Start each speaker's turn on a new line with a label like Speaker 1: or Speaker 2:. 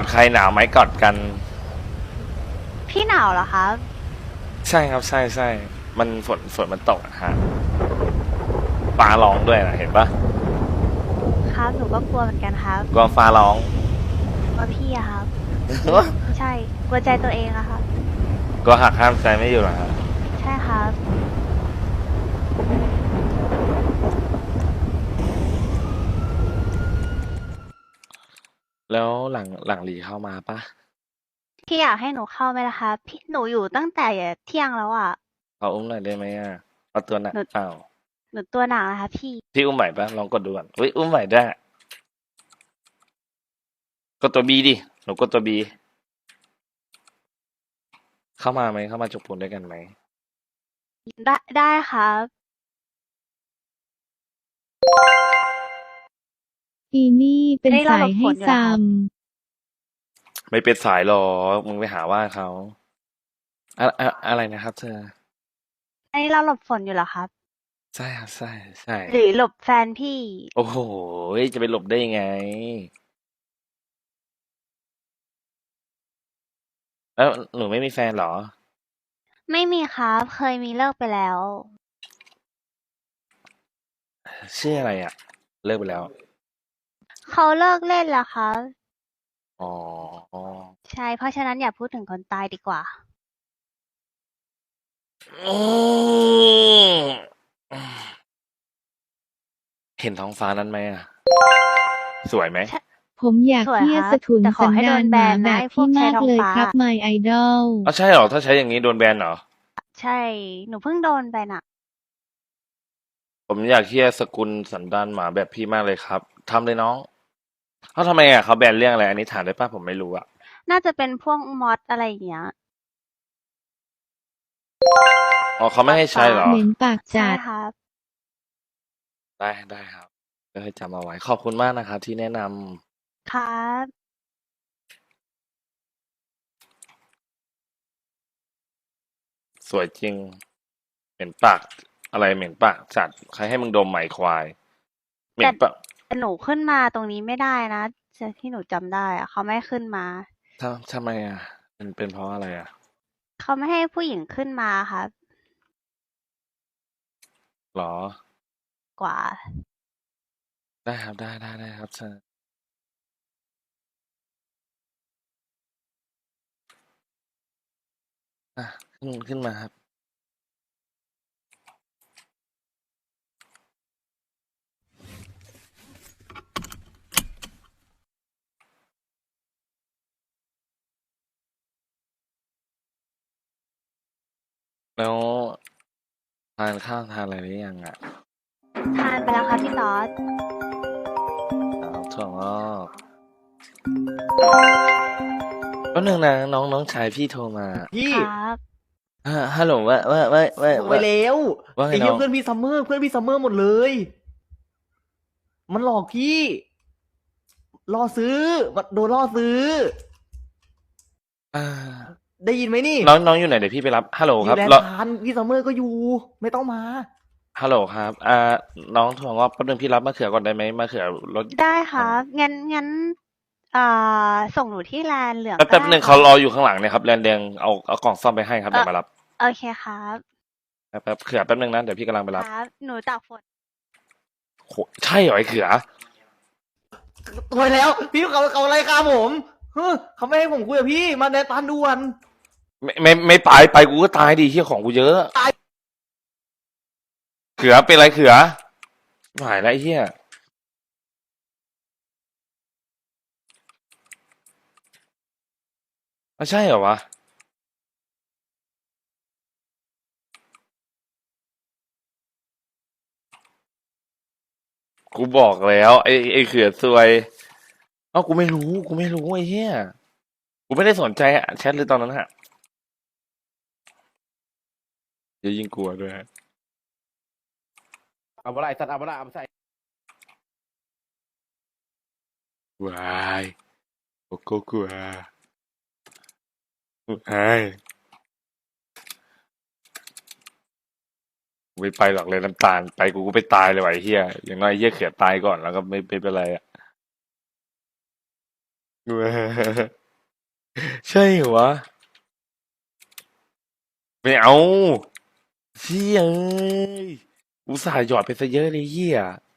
Speaker 1: ใครหนาวไหมกอดกัน
Speaker 2: พี่หนาวเหรอครับ
Speaker 1: ใช่ครับใช่ใช่มันฝนมันตกอะฮะฟ้าร้องด้วยนะเห็นปะ
Speaker 2: ครับหนูก็กลัวเหมือนกันครับ
Speaker 1: กลัวฟ้าร้อง
Speaker 2: กลัวพี่อะครับไม่ใช่กลัวใจตัวเองอะครับ
Speaker 1: กลัวหักห้ามใจไม่อยู่เหรอฮะ
Speaker 2: ใช่ครับ
Speaker 1: แล้วหลังหลีเข้ามาปะ
Speaker 2: พี่อยากให้หนูเข้าไหมล่ะครับพี่หนูอยู่ตั้งแต่เที่ยงแล้วอะ
Speaker 1: เขาอุ้มหน่อยได้ไหมอ่ะเอาตัวหนัก
Speaker 2: หนู
Speaker 1: เปล่า
Speaker 2: หนูตัวหนักนะคะพี่
Speaker 1: พี่อุ้มไหวปะลองกดดูก่อนอุ้ยอุ้มไหวได้กดตัวบีดิหนูกดตัวบีเข้ามาไหมเข้ามาจกปูนด้วยกันไหม
Speaker 2: ได้ครับ
Speaker 3: อีนี่เป็น
Speaker 2: นี่เราหล
Speaker 3: สายให้
Speaker 2: บฝนอยู่เหรอ
Speaker 3: ซ้
Speaker 2: ครับ
Speaker 1: ไม่เป็นสายหรอกมึงไปหาว่าเขาอะไรนะครับเธอ
Speaker 2: อันนี้เราหลบฝนอยู่เหรอครับ
Speaker 1: ใช่ครับใช่ใช่
Speaker 2: หรือหลบแฟนพี่
Speaker 1: โอ้โหจะไปหลบได้ยังไงแล้วหนูไม่มีแฟนเหรอ
Speaker 2: ไม่มีครับ เคยมีเลิกไปแล้ว
Speaker 1: ชื่ออะไรอ่ะเลิกไปแล้ว
Speaker 2: เขาเลิกเล่นแล้วครับ
Speaker 1: อ๋อ
Speaker 2: ใช่ เพราะฉะนั้นอย่าพูดถึงคนตายดีกว่า
Speaker 1: อืมเห็นท้องฟ้านั้นไหมอ่ะสวยไหม
Speaker 3: ำผมอยาก
Speaker 2: สวยค
Speaker 3: เที่ย
Speaker 2: รับ
Speaker 3: สถุน
Speaker 2: แต่ขอ
Speaker 3: สัน
Speaker 2: ให้โด
Speaker 3: ดาน
Speaker 2: นแบ
Speaker 3: หมาน
Speaker 2: นะ
Speaker 3: แบบ
Speaker 2: ไอ้พว
Speaker 3: พี่
Speaker 2: กใช้
Speaker 3: มาก
Speaker 2: ท้องฟ้า
Speaker 3: เลยครับ my idol
Speaker 1: อ๋อใช่เหรอถ้าใช้อย่างนี้โดนแบนเหรอ
Speaker 2: ใช่ หนูเพิ่งโดนไปน่ะ
Speaker 1: ผมอยากเที่ยสกุลสันดานหมาแบบพี่มากเลยครับทำเลยน้องเขาทำไมอ่ะเขาแบนเรื่องอะไรอันนี้ถามได้ป่ะผมไม่รู้อ่ะ
Speaker 2: น่าจะเป็นพวกมอดอะไรอย่างเงี้ย
Speaker 1: อ๋อเขาไม่ให้ใช้เหรอ
Speaker 3: เหม็นปาก
Speaker 2: ใช่
Speaker 3: จัด
Speaker 2: ครับ
Speaker 1: ได้ครับก็ให้จำเอาไว้ขอบคุณมากนะครับที่แนะน
Speaker 2: ครับ
Speaker 1: ำสวยจริงเหม็นปากอะไรเหม็นปากจัดใครให้มึงดมไหมควายเหม็
Speaker 2: แต่
Speaker 1: นปาก
Speaker 2: แต่หนูขึ้นมาตรงนี้ไม่ได้นะจากที่หนูจำได้อะเขาไม่ให้ขึ้นมา
Speaker 1: ทำไมอ่ะเป็นเพราะอะไรอ่ะ
Speaker 2: เขาไม่ให้ผู้หญิงขึ้นมาครับ
Speaker 1: หรอ
Speaker 2: กว่า
Speaker 1: ได้ครับได้ครับเชิญอ่ะขึ้นมาครับแล้วทานข้าวทานอะไรหรือยังอ่ะ
Speaker 2: ทานไปแล้วครับพี่ตอด
Speaker 1: ครับถั่วงอกแป๊บนึงนะน้องชายพี่โทรมา
Speaker 4: พี่
Speaker 2: ครับ
Speaker 1: ฮัลโหล
Speaker 4: บอกไปแล้ว
Speaker 1: ว่าไง
Speaker 4: ไอ้เหี้
Speaker 1: น้อง
Speaker 4: ยเพื่อนพี่ซัมเมอร์หมดเลยมันหลอกพี่ล่อซื้อมันโดนล่อซื้อ
Speaker 1: อ่า
Speaker 4: ได้ยินไหมนี่
Speaker 1: น้องอยู่ไหนเดี๋ยวพี่ไปรับฮัลโหล
Speaker 4: อยู่
Speaker 1: ครับ
Speaker 4: แลนด์พานพี่ซัมเมอร์ก็อยู่ไม่ต้องมา
Speaker 1: ฮัลโหลครับน้องถั่วงอกแป๊บนึงพี่รับมะเขือก่อนได้ไหมมะเขือรถ
Speaker 2: ได้ครับงั้นส่งหนูที่แลนด์เหลืองก็
Speaker 1: แป๊บนึง
Speaker 2: ได้ครับ
Speaker 1: เขารออยู่ข้างหลังเนี่ยครับแลนแดงเอากล่องซ่อมไปให้ครับ
Speaker 2: เออ
Speaker 1: เดี๋ยวมารับ
Speaker 2: โอเคครับ
Speaker 1: เขือแป๊บนึงนะเดี๋ยวพี่กำลังไป
Speaker 2: ค
Speaker 1: รับ
Speaker 2: รับหนูตากฝน
Speaker 1: โหใช่เหรอไอ้เขือ
Speaker 4: โวยแล้วพี่เขาอะไรครับผมเฮ้ยเขาไม่ให้ผมคุยกับพี่มาแลนด์พานด่วน
Speaker 1: ไม่ไปกูก็ตายดิเฮียของกูเยอะเขือเป็นไรเขือหายแล้วไอ้เฮียไม่ใช่เหรอวะกูบอกแล้วไอ้เขือซวยเอ้ากูไม่รู้ไอ้เฮียกูไม่ได้สนใจอะแชทเลยตอนนั้นฮะเดี๋ยวยิงกลัวด้วยฮะ
Speaker 4: เอาอะไรสัตว์เอาอะไรเอาใส่
Speaker 1: วายโกโก้กลัวไอ้กูไม่ไปหรอกเลยน้ำตาลไปกูก็ไปตายเลยว่ะไอ้เฮียอย่างน้อยไอ้เฮียเขือตายก่อนแล้วก็ไม่เป็นไรอะใช่เหรอวะไม่เอาเชี่ยเอ้ยอุตส่าห์หยอดไปซะเยอะเลยเหี้ย